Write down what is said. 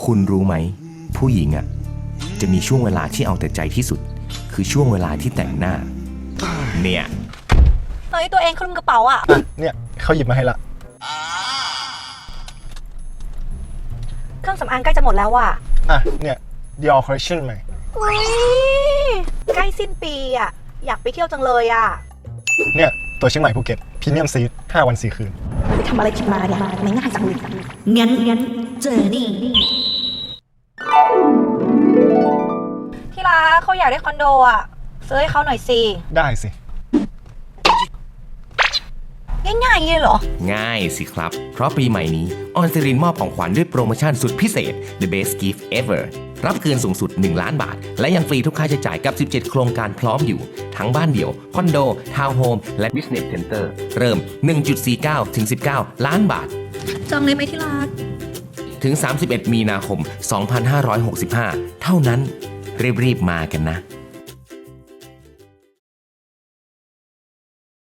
คุณรู้ไหมผู้หญิงอ่ะจะมีช่วงเวลาที่เอาแต่ใจที่สุด คือช่วงเวลาที่แต่งหน้า เนี่ยเฮ้ยตัวเองคลุมกระเป๋าอ่ะเนี่ยเขาหยิบมาให้ละเครื่องสำอางใกล้จะหมดแล้วอ่ะเนี่ย Dior Collection ใหม่อุ้ยใกล้สิ้นปีอ่ะ อยากไปเที่ยวจังเลยอ่ะเนี่ย ตัวเชียงใหม่ภูเก็ตพรีเมียมซีท5 วัน 4 คืนไปทำอะไรผิดมาเนี่ยไม่ง่ายจังเลยงั้นเจอนี่ที่รักเขาอยากได้คอนโดอ่ะซื้อให้เขาหน่อยสิได้สิง่ายๆอย่างนี้เลยเหรอง่ายสิครับ เพราะปีใหม่นี้ออนซิรินมอบของขวัญด้วยโปรโมชั่นสุดพิเศษ The Best Gift Ever รับคืนสูงสุด 1 ล้านบาท และยังฟรีทุกค่าใช้จ่ายกับ 17 โครงการพร้อมอยู่ ทั้งบ้านเดี่ยว คอนโด ทาวน์โฮม และ Business Center เริ่ม 1.49 ถึง 19 ล้านบาทจองเลยไหมที่รักถึง 31 มีนาคม 2565 เท่านั้น รีบๆมากันนะ